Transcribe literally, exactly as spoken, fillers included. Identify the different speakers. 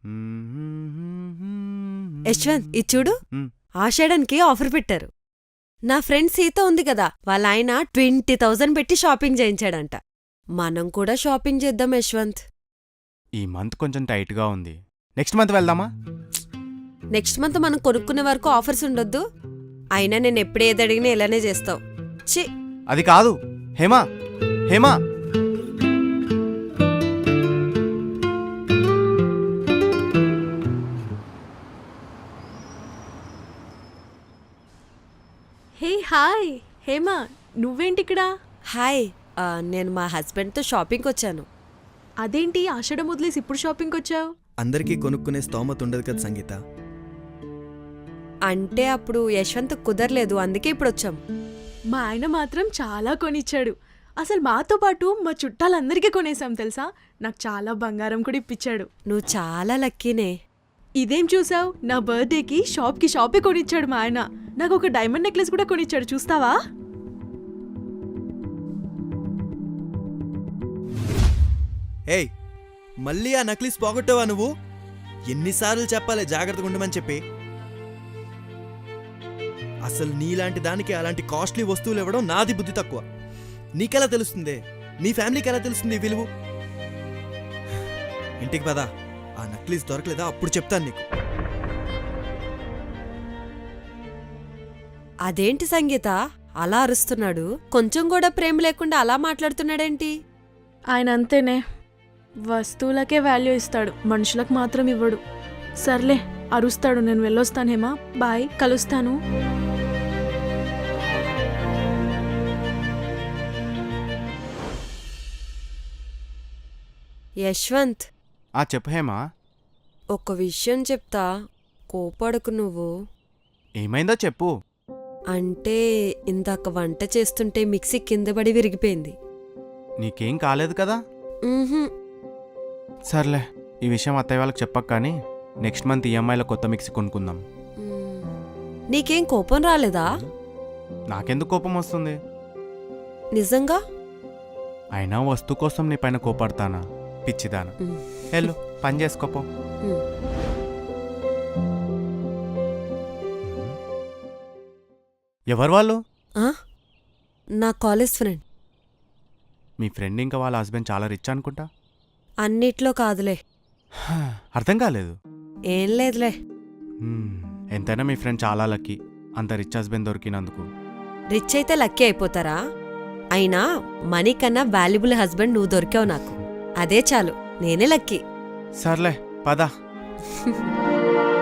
Speaker 1: యశ్వంత్ ఇది చూడు,
Speaker 2: మ్.
Speaker 1: ఆషాఢన్కి ఆఫర్ పెట్టారు. నా ఫ్రెండ్ సీత ఉంది కదా, వాళ్ళ ఆయన ట్వంటీ థౌజండ్ పెట్టి షాపింగ్ చేయించాడంట. మనం కూడా షాపింగ్ చేద్దాం యశ్వంత్.
Speaker 2: ఈ మంత్ కొంచెం టైట్గా ఉంది. నెక్స్ట్ మంత్ వెళ్దామా?
Speaker 1: నెక్స్ట్ మంత్ మనం కొనుక్కునే వరకు ఆఫర్స్ ఉండొద్దు. అయినా నేను ఎప్పుడు ఏది అడిగినా ఇలానే చేస్తావు. చి
Speaker 2: అది కాదు. హేమా హేమా
Speaker 3: హే హాయ్ హేమా, నువ్వేంటిక్కడ?
Speaker 1: హాయ్, ఆ, నేను మా హస్బెండ్తో షాపింగ్కి వచ్చాను.
Speaker 3: అదేంటి ఆషాఢం వదిలేసి ఇప్పుడు షాపింగ్కి వచ్చావు?
Speaker 4: అందరికీ కొనుక్కునే స్తోమత ఉండదు కదా సంగీత.
Speaker 1: అంటే అప్పుడు యశ్వంత్ కుదరలేదు, అందుకే ఇప్పుడు వచ్చాం.
Speaker 3: మా ఆయన మాత్రం చాలా కొనిచ్చాడు. అసలు మాతో పాటు మా చుట్టాలందరికీ కొనేసాం తెలుసా. నాకు చాలా బంగారం కూడా ఇప్పించాడు.
Speaker 1: నువ్వు చాలా లక్కీనే.
Speaker 3: ఇదేం చూసావు, నా బర్త్డేకి షాప్కి షాపే కొనిచ్చాడు మా ఆయన. నాకు ఒక డైమండ్ నెక్లెస్ కూడా కొనిచ్చాడు, చూస్తావా?
Speaker 4: ఏయ్, మళ్ళీ ఆ నక్లీస్ పోగొట్టావా నువ్వు? ఎన్నిసార్లు చెప్పాలి జాగ్రత్తగా ఉండమని చెప్పి. అసలు నీలాంటి దానికి అలాంటి కాస్ట్లీ వస్తువులు ఇవ్వడం నాది బుద్ధి తక్కువ. నీకెలా తెలుస్తుంది? నీ ఫ్యామిలీకి ఎలా తెలుస్తుంది ఈ విలువ? ఇంటికి పదా, ఆ నక్లీస్ దొరకలేదా అప్పుడు చెప్తాను నీకు.
Speaker 1: అదేంటి సంగీత అలా అరుస్తున్నాడు? కొంచెం కూడా ప్రేమ లేకుండా అలా మాట్లాడుతున్నాడేంటి?
Speaker 3: ఆయన అంతేనే, వస్తువులకే వాల్యూ ఇస్తాడు, మనుషులకు మాత్రం ఇవ్వడు. సర్లే అరుస్తాడు, నేను వెళ్ళొస్తాను హేమా, బాయ్, కలుస్తాను.
Speaker 1: యశ్వంత్,
Speaker 2: ఆ చెప్పు హేమా.
Speaker 1: ఒక విషయం చెప్తా, కోపడకు నువ్వు.
Speaker 2: ఏమైందో చెప్పు.
Speaker 1: అంటే ఇందాక వంట చేస్తుంటే మిక్సీ కింద పడి విరిగిపోయింది.
Speaker 2: నీకేం కాలేదు కదా?
Speaker 1: ఉహుం.
Speaker 2: సర్లే, ఈ విషయం అత్తయ్య వాళ్ళకి చెప్పక కానీ నెక్స్ట్ మంత్ ఈఎంఐలో కొత్త మిక్సీ కొనుక్కుందాం.
Speaker 1: మ్. నీకేం కోపం రాలేదా?
Speaker 2: నాకెందుకు కోపం వస్తుంది?
Speaker 1: నిజంగా?
Speaker 2: అయినా వస్తువు కోసం నీ పైన కోపడతానా పిచ్చిదానా?
Speaker 1: మ్.
Speaker 2: వెళ్ళు పని చేసుకోపో.
Speaker 1: మ్.
Speaker 2: ఎవరు వాళ్ళు?
Speaker 1: ఆ? నా కాలేజ్ ఫ్రెండ్.
Speaker 2: మీ ఫ్రెండ్ ఇంకా వాళ్ళ హస్బెండ్ చాలా రిచ్ అనుకుంటా.
Speaker 1: అన్నిట్లో కాదులే.
Speaker 2: అర్థం కాలేదు.
Speaker 1: ఏం లేదులే.
Speaker 2: హ్మ్, ఎంతైనా మీ ఫ్రెండ్ చాలా లక్కీ, అంత రిచ్ హస్బెండ్ దొరికినందుకు.
Speaker 1: రిచ్ అయితే లక్కీ అయిపోతారా? అయినా మనీ కన్నా వాల్యుబుల్ హస్బెండ్ నువ్వు దొరికావు నాకు. అదే చాలు, నేనే లక్కీ.
Speaker 2: సర్లే పద.